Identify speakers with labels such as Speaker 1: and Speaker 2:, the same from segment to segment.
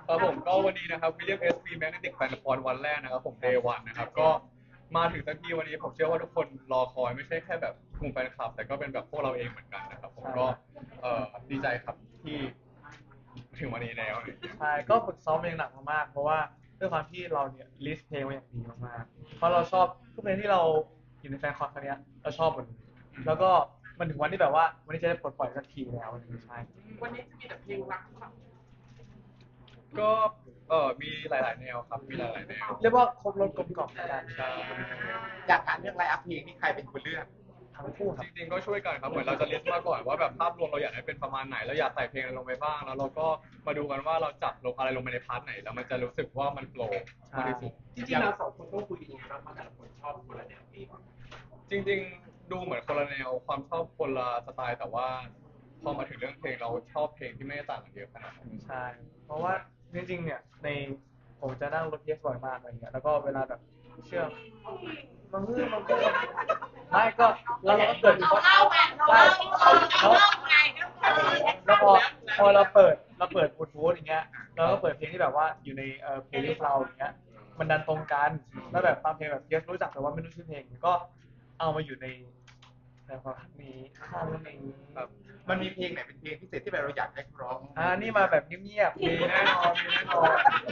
Speaker 1: ครับผมก็วันนี้นะครับ William S. V Magnetic Fan Con วันแรกนะครับผม Day 1นะครับก็มาถึงสักทีวันนี้ผมเชื่อว่าทุกคนรอคอยไม่ใช่แค่แบบกลุ่มแฟนคลับแต่ก็เป็นแบบพวกเราเองเหมือนกันนะครับผมก็ดีใจครับที่ถึงวันนี้แล้วอะไรอย่างเงี้ย
Speaker 2: ใช่ก็ฝึกซ้อมเพลงหนักมากๆเพราะว่าด้วยความที่เราเนี่ยลิสต์เพลงมาอย่างดีมากๆเพราะเราชอบทุกเพลงที่เราอยู่ในแฟนคอนครั้งเนี้ยเราชอบหมดเลยแล้วก็มันถึงวันที่แบบว่าวันนี้จะได้ปลดปล่อยสักทีแล้วอะไรอย่างเงี้ยใช่
Speaker 3: วันนี้จะมีแต่เพลงรักค่ะ
Speaker 1: ก็มีหลายๆแนวครับมีหลายๆแนว
Speaker 2: เรียกว่าครบรสกลมกล่อมแล้วกัน
Speaker 1: ใช่
Speaker 4: อยากถามเรื่องไลฟ์อัพเพลงนี่ใครเป็นคนเลือก
Speaker 2: ทั้งคู่ค
Speaker 1: จ
Speaker 2: รับ
Speaker 1: ริงๆก็ช่วยกันครับเหมือนเราจะลิสต์มาก่อนว่าแบบภาพรวมเราอยากให้เป็นประมาณไหนเราอยากใส่เพลงอะไรลงไปบ้างแล้วเราก็มาดูกันว่าเราจัดลงอะไรลงไปในพาร์ทไหนแล้วมันจะรู้สึกว่ามันโฟล์มากที่สุด
Speaker 3: จริงๆเราสองคนต้องคุยกันยังไงบ้างเพราะแต่ละคนชอบคนละแนวเพลง
Speaker 1: จริงๆดูเหมือนคนละแนวความชอบคนละสไตล์แต่ว่าพอมาถึงเรื่องเพลงเราชอบเพลงที่ไม่ได้ต่างกันเยอะขนาดนั้น
Speaker 2: ใช่เพราะว่าจริงๆเนี่ยในผมจะนั่งรถเยสบ่อยมากอะไรเงี้ยแล้วก็เวลาแบบเชื่อมันไม่ก็เราก็เปิด
Speaker 5: เราเล่าไงเราเล่าเราเล่าไง
Speaker 2: แล้วพอเราเปิดบลูทูธอย่างเงี้ยเราก็เปิดเพลงที่แบบว่าอยู่ในเพลย์ลิสต์เราอย่างเงี้ยมันดันตรงกันแล้วแบบบางเพลงแบบเยสรู้จักแต่ว่าไม่รู้ชื่อเพลงก็เอามาอยู่ในความนี้ข้างนี้
Speaker 1: ครับ
Speaker 4: มันมีเพลงไหนเป็นเพลงพิเศษที่แบบเราอยากให้เขาร้อง
Speaker 2: นี่มาแบบเงียบๆ
Speaker 1: มีแน่นอนมีแน่นอน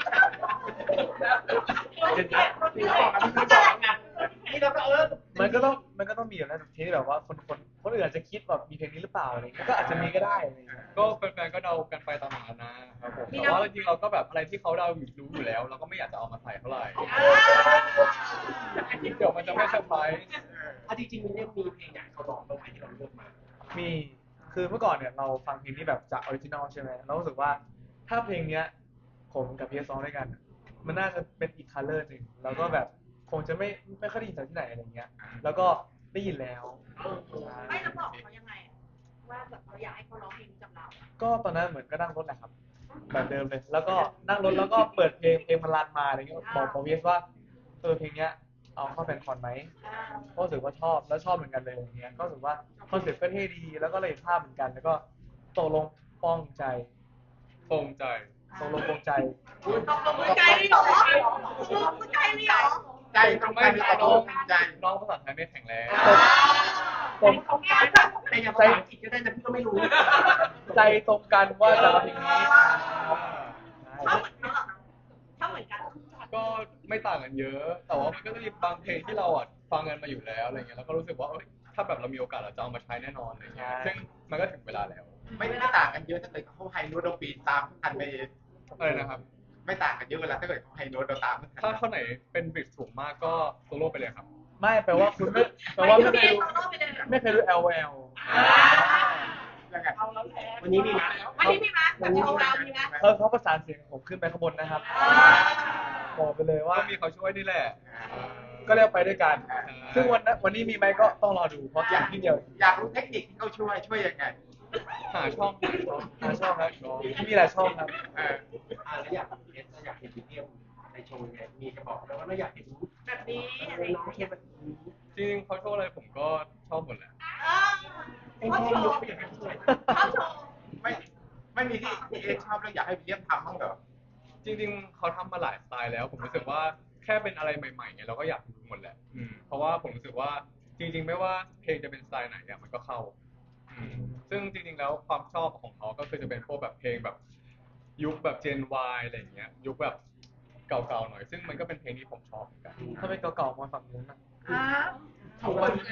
Speaker 3: ที่บอกกันที่บอกกันนี่เราก็
Speaker 2: มันก็ต้องมีอยู่แล้วเพลงที่แบบว่าคนอื่นอาจจะคิดแบบมีเพลงนี้หรือเปล่าอะไรเงี้ยก็อาจจะมีก็ได้อะไรเงี้ย
Speaker 1: ก็แฟนๆก็เดากันไปตามนั้นนะครับผมแต่ว่าจริงๆเราก็แบบอะไรที่เขาเดาอยู่รู้อยู่แล้วเราก็ไม่อยากจะเอามาใส่เท่าไหร่เดี๋ยวมันจะไม่เซอร์ไพรส์
Speaker 3: จริงๆมันยังมีเพลงไหนเขาร้องบ้างไหมที่เราเลือกมา
Speaker 2: มีคือเมื่อก่อนเนี่ยเราฟังเพลงที่แบบจากออริจินอลใช่ไหมเรารู้สึกว่าถ้าเพลงเนี้ยผมกับพีเอสร้องด้วยกันมันน่าจะเป็นอีกคัลเลอร์หนึ่งแล้วก็แบบคงจะไม่ค่อยได้ยินจากที่ไหนอะไรเงี้ยแล้วก็ได้ยินแล้ว
Speaker 5: ไม่เราบอกเขายังไงว่าแบบเราอยากให้เขาร้องเพลงนี้กับเรา
Speaker 2: ก็ตอนนั้นเหมือนก็นั่งรถแหละครับแบบเดิมเลยแล้วก็นั่งรถแล้วก็เปิดเพลงมันรันมาอะไรเงี้ยบอกพีเอสว่าเพลงเนี้ยเอาเข้าแฟนคอนไหมก็รู้สึกว่าชอบแล้วชอบเหมือนกันเลยอย่างเงี้ยก็รู้สึกว่าคอนเซ็ปต์ก็เท่ดีแล้วก็เลยภาพเหมือนกันแล้วก็ตกลงป้องใจ
Speaker 1: ตรงใจ
Speaker 2: ตกลงปรงใจ
Speaker 5: ตกลงมือใจนี่หรอตกลงมือใจนี่หรอ
Speaker 4: ใจตรงกันตกลงใจ
Speaker 1: น้องภาษาไทยไม่แข็งแรง
Speaker 3: แต่อย่างภาษาอังกฤษก็ได้นะพี่ก็ไม่รู้
Speaker 2: ใจตรงกันว่าจะเอาเพลงนี้
Speaker 5: ชอบเหมือนกัน
Speaker 1: ก็ไม่ต่างกันเยอะแต่ว่ามันก็จะมีบางเพลงที่เราฟังกันมาอยู่แล้วอะไรเงี้ยแล้วก็รู้สึกว่าถ้าแบบเรามีโอกาสเราจะเอามาใช้แน่นอนอะไรเงี้ยซึ่งมันก็ถึงเวลาแล้ว
Speaker 4: ไม่ได้ต่างกันเยอะถ้าเกิดเขาไฮโน้ตเราปีนตามทันไป
Speaker 1: อะไรนะครับ
Speaker 4: ไม่ต่างกันเยอะเวลาถ้าเกิดเขาไฮโน้ตเราตามทัน
Speaker 1: ถ้าข้อไหนเป็นบิดสูงมากก็โซโล่ไปเลยครับ
Speaker 2: ไม่แปลว่าคุณไม่แปลว่าไม่เคยรู้ LOL
Speaker 3: วันนี้มีไหม
Speaker 5: วันนี้มีไหมมีไหม
Speaker 2: เขาประสานเสียงผมขึ้นไปข้างบนนะครับบอกไปเลยว่า
Speaker 1: ก็มีเขาช่วยนี่แหละ
Speaker 2: ก็เรียกไปด้วยกันซึ่งวันนี้มีไหมก็ต้องรอดูเพราะอย่างที่เดียว
Speaker 4: อยากรู้เทคนิคที่เขาช่วยยังไง
Speaker 1: หาช่อง
Speaker 2: ครับมีหลายช่องครับ
Speaker 3: แล้วอยากเห็นวิดีโอในโชว์ไงมีจะบอกแล้วว่าเราอยากเห็น
Speaker 5: แบบนี้
Speaker 3: น้องเคนแบบนี้
Speaker 1: จริงเขาโชว์อะไรผมก็ชอบหมดแหละ
Speaker 5: ชอบโชว์ชอบโชว์
Speaker 4: ไม่ไม่มีที่เอชอบแล้วอยากให้วิลเลียมทำบ้างเหรอ
Speaker 1: จริงๆเขาทำมาหลายสไตล์แล้วผมรู้สึกว่าแค่เป็นอะไรใหม่ๆเนี่ยเราก็อยากดูหมดแหละเพราะว่าผมรู้สึกว่าจริงๆไม่ว่าเพลงจะเป็นสไตล์ไหนเนี่ยมันก็เข้าซึ่งจริงๆแล้วความชอบของเขาก็คือจะเป็นพวกแบบเพลงแบบยุคแบบ Gen Y อะไรอย่างเงี้ยยุคแบบเก่าๆหน่อยซึ่งมันก็เป็นเพลงที่ผมชอบเหมือนกัน
Speaker 2: ถ้าเป็นเก่าๆมาฝั่งนู้นนะ
Speaker 5: ทองเลย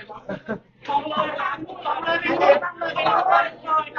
Speaker 5: ไม่ได้ทองเลยน้องบอก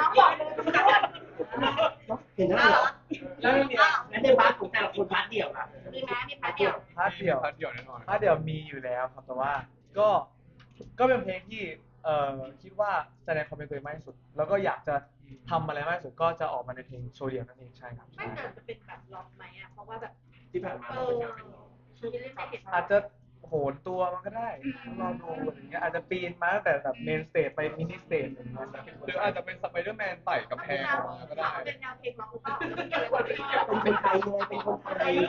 Speaker 3: เห็นแล้วเหรอแล้วในพาร์ทของแต่ละคนพาร์ทเดี่ยวล่ะ
Speaker 5: มีไหมมีพาร์ทเดียว
Speaker 2: พาร์ทเดี่ยว
Speaker 1: แน่นอน
Speaker 2: พาร์ทเดี่ยวมีอยู่แล้วครับแต่ว่าก็เป็นเพลงที่คิดว่าแสดงความเป็นตัวเองมากที่สุดแล้วก็อยากจะทำอะไรมากที่สุดก็จะออกมาในเพลงโชว์เดี่ยวนั่นเองใช่ครับ
Speaker 5: ไม่แต่จะเป็นแบบล็อกไหมอ่ะเพราะว่าแบบ
Speaker 3: ที่ผ่านมาเราเป็นงานเป็นน้อง
Speaker 2: อาจจะโหนตัวมันก็ได้ลองดูอย่างเงี้ยอาจจะปีนมาตั้งแต่แบบเมนสเตจไปมินิสเตจอย่างเงี้ย
Speaker 1: หรืออาจจะเป็นสไปเดอร์แมนไต่กำแพงออกมาก็ได้
Speaker 5: เป็นแนวเพลงล็อกหรือเปล่า
Speaker 3: เป็นคนไทยเลยเป็นคนไทย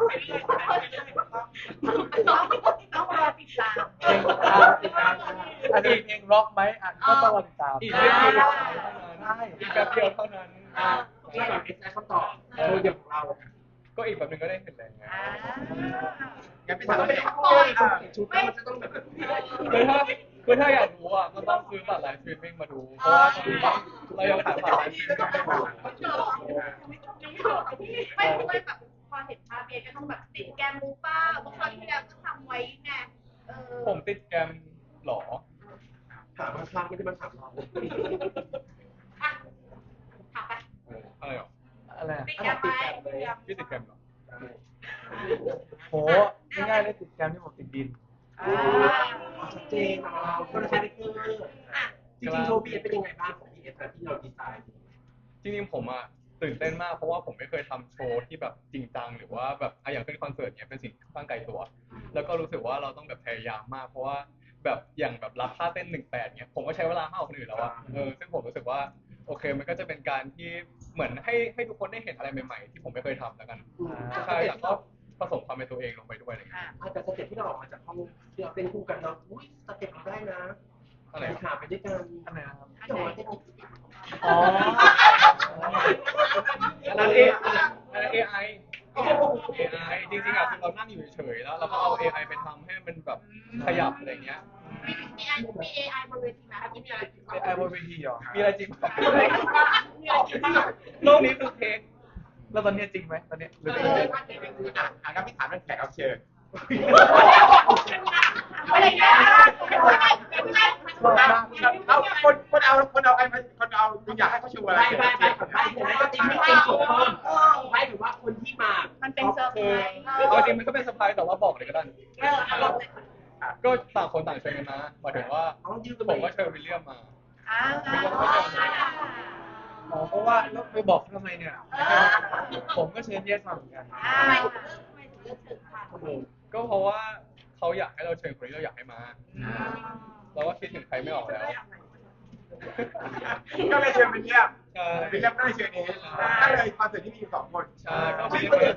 Speaker 5: ต้องรอติดตาม
Speaker 2: อาจจะมีเพลงร็อกไหมก็ต้องรอติดตาม
Speaker 1: อีกไม่กี่วันเท่านั้นอีกแป๊บเดียวเท่านั้น
Speaker 3: แล้วแบบเอสไอคำตอบโชว์เดี่ยวของเรา
Speaker 1: ก็อีกแบบหนึงก็ได้เห็นแล้ว
Speaker 4: งั้นพี่ถามว่าเป็น
Speaker 3: ชุดแล้วมันจะต้องแบบ
Speaker 1: คือถ้าอยากรู้อ่ะก็ต้องซื้อบัตรไลฟ์สตรีมมิ่งมาดู เพราะว่าตอนนี้เรายังขายบัตรไลฟ์สตรีมมิ่งไม่หมด
Speaker 5: ไม่เพราะว่าแบบพอเห็นภาพเบียก็ต้องแบบติดแกมมูป้าเมื่อครั้งที่แล้วก็ทำไว้ไง
Speaker 1: ผมติดแกรมหรอ
Speaker 3: ถามข้างๆไม่ได้มาถามเรา
Speaker 5: ถามไป
Speaker 1: อะไรหรอ
Speaker 2: อะไรอะ
Speaker 5: ติดแกมไหม
Speaker 1: พี่ติดแกรมหรอ
Speaker 2: โหง่ายๆเลยติดแกรมที่ผมติดดิน
Speaker 3: ชัดเจนเราคนละคาแรคเตอร์จริงๆโชว์พีเอสเป็นยังไงบ้างของพีเอสที่เราดีไซน์
Speaker 1: จริงๆผมอ่ะตื่นเต้นมากเพราะว่าผมไม่เคยทำโชว์ที่แบบจริงจังหรือว่าแบบอย่างขึ้นคอนเสิร์ตเนี้ยเป็นสิ่งที่ค่อนข้างไกลตัว แล้วก็รู้สึกว่าเราต้องแบบพยายามมากเพราะว่าแบบอย่างแบบรับท่าเต้น18เนี้ยผมก็ใช้เวลามากกว่าคนอื่นแล้วอะซึ่งผมรู้สึกว่าโอเคมันก็จะเป็นการที่เหมือนให้ทุกคนได้เห็นอะไรใหม่ๆที่ผมไม่เคยทำแล้วกันใช่แต่ก็ผสมความเป็นตัวเองลงไปด้วยอะไรอย่างเงี้ย
Speaker 3: แต่สเต็ปที่เราออกมาจากห้องที่เราเต้นคู่กันเราอุ้ยสเต็ปเราได้นะขาไปด้วยกัน
Speaker 2: อันไหนนะครับ
Speaker 3: ที่เราเต้น
Speaker 2: อ๋อ
Speaker 1: อันนั้น AI จริงๆอ่ะคือเรานั่งอยู่เฉยๆแล้วเราก็เอา AI ไปทำให้มันแบบขยับอะไรอย่างเงี้ย
Speaker 5: มี AI บนเวทีไหมมีอะไรจริง
Speaker 2: ไอ้บนเวทีเหรอ
Speaker 1: มีอะไรจริง
Speaker 5: มีอะไรจริง
Speaker 1: โลกนี้คือเพลง
Speaker 2: แล้วตอนนี้จริงไหมตอนนี้หรือ
Speaker 4: งั้นพี่ถามเรื่องแขกรับเชิญ
Speaker 5: อะไรเงี้ย
Speaker 4: เอาคนเอาไอ้คนเอาคุณอยากให้เขาชูอะไร
Speaker 3: ไปก็ตีไม่เป็นจบเพิ่มไม่ถือว่าคนที่มา
Speaker 5: มันเป็นเซอร์ไพรส์
Speaker 1: เอาจริงมันก็เป็นเซอร์ไพรส์แต่ว่าบอกเลยก็ได้
Speaker 5: ลองเลย
Speaker 1: ก็ต่างคนต่างเชิญกันมาหมายถึงว่าผมก็เชิญวิลเลียมมา
Speaker 2: อ๋อเพราะว่าแล้วไปบอกเขาทำไมเนี่ย ผมก็เชิญเยสมาเหมือนกัน
Speaker 5: ทำไมถึงเลือกถึงค่ะ
Speaker 1: ก็เพราะว่าเขาอยากให้เราเชิญคนที่เราอยากให้มา เราก็คิดถึงใครไม่ออกแล้ว
Speaker 4: ก็เลยเชิญเป็นเยี่ยม
Speaker 1: ใช่
Speaker 4: เป็นเยี่ยมก็เลยเชิญเองก็เลยคอนเสิร์ตที่มีอยู่2 คน
Speaker 1: ใช่ก็
Speaker 5: ไม่
Speaker 1: เป็น
Speaker 5: บอก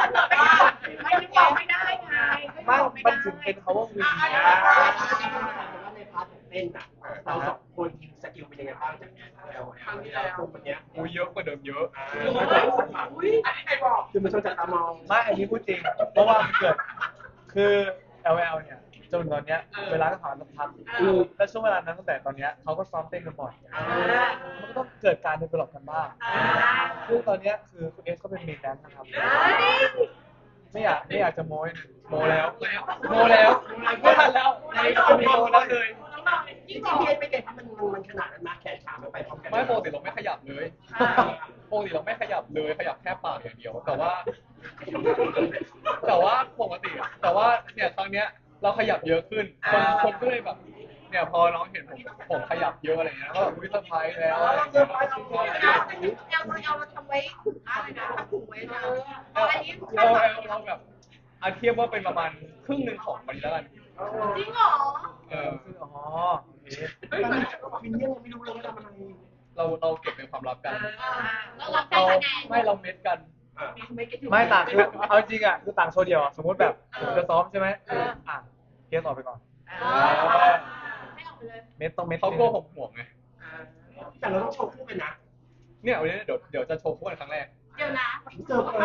Speaker 5: ไม่ได้ไง
Speaker 2: ไม่มันถึงเป็น power win
Speaker 3: ว่าในพาร์ทเต้นอ่ะเรา2 คนสกิลเป็นยังไงบ้างจากครั้งที่แล้ววันนี้
Speaker 1: อุ้ยเยอะกว่าเดิมเยอะ
Speaker 4: อันนี้ใครบอก
Speaker 3: คือมันชนจัดตามอง
Speaker 2: ไม่อันนี้พูดจริง เพราะว่ามันเกิด คือ LL เนี่ย จนตอนเนี้ย เวลาก็ผ่านสักพักแล้วช่วงเวลานั้นตั้งแต่ตอนเนี้ยเขาก็ซ้อมเต้นกันบ่อย มันก็ต้องเกิดการdevelopกันบ้างซึ่งตอนเนี้ยคือคุณเอสก็เป็นเมนแดนซ์นะครับ ไม่อยากจะโม้ย
Speaker 1: โมแล้วไม่ทันแล้วไม่มีโมแล้วเลย
Speaker 3: จริงๆพี่เป็นไงมันขนาดนั้นมาแขนขามันไปพร้อมกัน
Speaker 1: ไม่ปกติเราไม่ขยับเลยปกติเราไม่ขยับเลยขยับแค่ปากอย่างเดียว แต่ว่าปกติแต่ว่าเนี่ยครั้งเนี้ยเราขยับเยอะขึ้นคนก็เลยแบบเนี่ยพอน้องเห็นผมขยับเยอะอะไรเงี้ยก็แบบวิเซอร์ไพรส์แล้วอะไรเงี้ย
Speaker 5: เราทำไว้อะไรนะทำถุงไว้นะอันนี้
Speaker 1: เราแบบเทียบว่าเป็นประมาณครึ่งหนึ่งของมันแล้วกัน
Speaker 5: จริงเหรอ
Speaker 2: คืออ๋อโอเค
Speaker 3: เฮ้ยวินเนี่ยไม่รู้เลยว่าทำอะไร
Speaker 1: เราเก็บเป็นความลับกัน
Speaker 5: เรารับได้คะแนน
Speaker 1: ไม่เราเม็ดกัน
Speaker 2: ไม่ต่างคือเอาจริงอ่ะคือต่างโชว์เดียวอะสมมติแบบผมจะซ้อมใช่ไหมอ่ะเคสออกไปก่อน
Speaker 5: ไม่ออกไปเลย
Speaker 2: เม็ดต้องเม็ด
Speaker 1: เขากลัวผมห่วงไง
Speaker 3: แต่เราต้องโชว์คู่กันนะ
Speaker 1: เนี่ยวันนี้เดี๋ยวจะโชว์คู่กันครั้งแรก
Speaker 5: เดี๋ยวนะ
Speaker 3: เจอเลย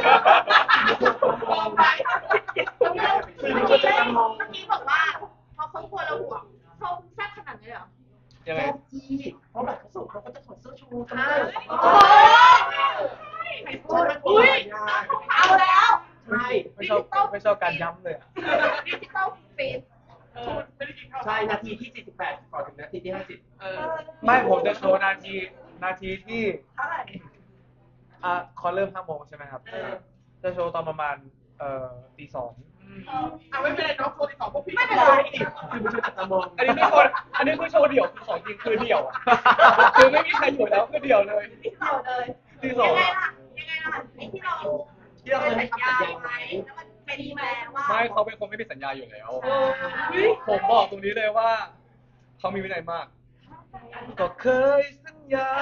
Speaker 5: เมื่อกี้บอกว่าพอเขากลัวเราห่วงเขาแซ่บขนาดนี้เหรอ
Speaker 1: ยังไง
Speaker 3: เพราะแบบเขาส่งเขาก็จะถอดเสื้อโชว์กัน
Speaker 5: โอ้ยอุ้ยเอาแล้ว
Speaker 3: ใช่
Speaker 2: ไม่ชอบการย้ำเลยอะ
Speaker 5: ดิจิตอลฟีด
Speaker 3: ใช่นาทีที่48ก่อนถึงนาทีที่50
Speaker 2: ไม่ผมจะโชว์นาทีที่คอเริ่ม5 โมงใช่ไหมครับ จะโชว์ตอนประมาณตี 2
Speaker 4: ไม่เป็นไรน้องโชว์ที่2พวกพี่
Speaker 5: ไม่เป็นไร
Speaker 3: คือมันชนจัดตามอง
Speaker 1: อันนี้คือโชว์เดี่ยวคือของจริงคือเดี่ยวคือไม่มีใครอยู่แล้วคือเดี่ยวเลย
Speaker 5: เดี่ยวเลย
Speaker 1: ตีสอง
Speaker 5: ยังไงล่ะไอ้ที่เราเคยสัญญาไว้แล้วมันเป็นมาแล้วว่า
Speaker 1: ไม่เขาเป็นคนไม่ผิดสัญญาอยู่แล้ว ผมบอกตรงนี้เลยว่าเขามีวินัยมาก
Speaker 2: ก็เคยสัญญา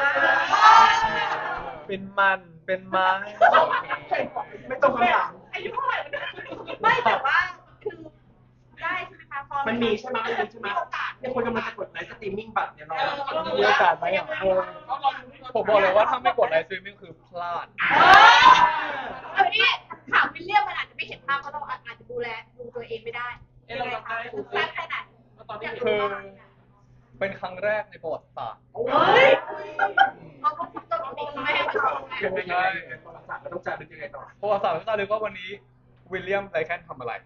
Speaker 2: เป็นมันเป็นไม้
Speaker 3: ไม่ตรงคำถาม
Speaker 5: อายุเท่าไหร่ไม่แต่ว่าคือได้ใช่ไหมคะพอ
Speaker 3: มันมีใช่ไหมมันมีใช่ไหม
Speaker 5: โอกาส
Speaker 3: ยังคนกำลังจะกดไลฟ์สตรีมมิ่งบัตรเนี่ยเรา
Speaker 2: มีโอกาสไหมอ่ะ
Speaker 1: ผมบอกเลยว่าถ้าไม่กดไลฟ์สตรีมมิ่งคือพลาด
Speaker 5: เอาพี่ถามวิลเลียมมันอาจจะไม่เห็นภาพเพราะเราอาจจะดูตัวเองไม่ได้ยังไงคะแซ่บแค่ไหน
Speaker 1: คือเป็นครั้งแรกในประวัติศาสตร์
Speaker 5: เฮ้ยเขาก็คิดตัวเองไม่ให้เขา
Speaker 3: ยังไงประวัติศาสตร์มันต้องจารึกยังไงต่อ
Speaker 1: ประวัติศาสตร์ก็จะรู้ว่าวันนี้วิลเลียมไรแคนทำอะไร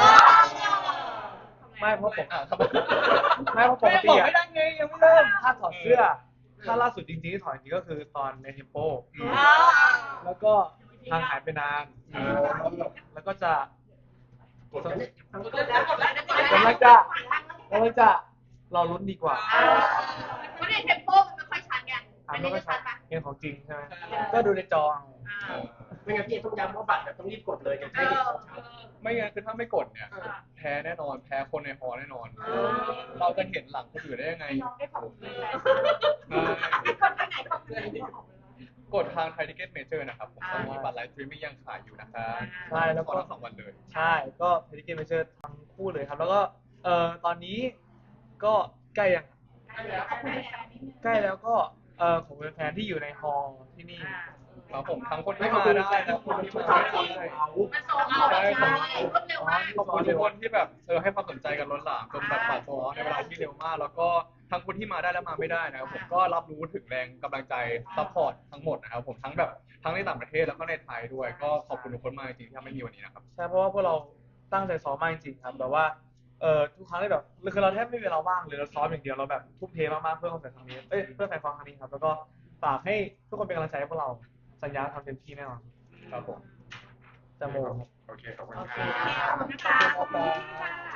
Speaker 2: ไม่เพราะผม
Speaker 1: ครับ
Speaker 2: ไม่เพราะปกติ
Speaker 1: บอก
Speaker 2: อ่ะ
Speaker 1: ไม่ได้ไงยังไม่เริ่ม
Speaker 2: ถ้าถอดเสื้อถ้าล่าสุดจริงๆที่ถอดจริงก็คือตอนในเทมโปแล้วก็ทางหายไปนานแล้วก็จะ
Speaker 3: กดกันเนี่ย
Speaker 2: กำลังจะรอลุ้นดีกว่า
Speaker 5: เพราะในเทมโปมันไม่ค่อยชัดไงอันนี้จะชัดปะ
Speaker 2: เกมของจริงใช่ไหมก็ดูในจอเอา
Speaker 3: ไม่งั้นพี่ต้องย้ำว่าบัตรต้องรีบกดเลยจะให้เห็นชัด
Speaker 1: ไม่งั้นคือถ้าไม่กดเนี่ยแพ้แน่นอนแพ้คนในฮอลล์แน่นอน เราจะเห็นหลังคนอื่นได้ยังไง
Speaker 5: น้องได้ขอบคุณเลย
Speaker 1: ใช่
Speaker 5: คนไปไหนขอบคุณเลย
Speaker 1: กดทางไทยทิเก็ตเมเจอร์นะครับผมตอนนี้บัตรไลฟ์สตรีมมิ่งยังขายอยู่นะครับ
Speaker 2: ใช่แล้วก็
Speaker 1: ทั้ง2 วันเลย
Speaker 2: ใช่ก็เพลิเกมเมเจอร์ทั้งคู่เลยครับ แล้วก็ตอนนี้ก็ใกล้ยังใกล้แล้วก็ของแฟนๆที่อยู่ในฮอลล์ที่นี่
Speaker 1: ครับผมทั้งคนที่มาได้และคนที่มาไม่ได้
Speaker 5: มันโซเอาใช่รวดเร็วมาก
Speaker 1: ขอบคุณทุกคนที่แบบให้ความสนใจกันล้นหลามจนแบบบัตรโซลในเวลาที่เร็วมาก แล้วก็ทั้งคนที่มาได้และมาไม่ได้นะครับผมก็รับรู้ถึงแรงกำลังใจซัพพอร์ตทั้งหมดนะครับผมทั้งในต่างประเทศแล้วก็ในไทยด้วย ก็ขอบคุณทุกคนมากจริงๆที่ทำให้มีวันนี้นะครับ
Speaker 2: ใช่เพราะว่าพวกเราตั้งใจซ้อมมากจริงๆครับแบบว่าทุกครั้งที่แบบคือเราแทบไม่มีเวลาว่างเลยเราซ้อมอย่างเดียวเราแบบทุ่มเทมากๆเพื่อคอนเสิร์ตครั้งนี้เพื่อแฟนคอนครั้งนี้ครับแล้วก็ฝากให้ทุกคนเป็นกำลังใจให้พวกเราสัญญาทำเต็มที่แน่นอน
Speaker 1: ครับผม
Speaker 2: จะโมครับ
Speaker 4: โอเคขอบคุณ
Speaker 5: โอ
Speaker 4: ค
Speaker 5: เค
Speaker 4: รับ
Speaker 5: ขอบคุณค่ะ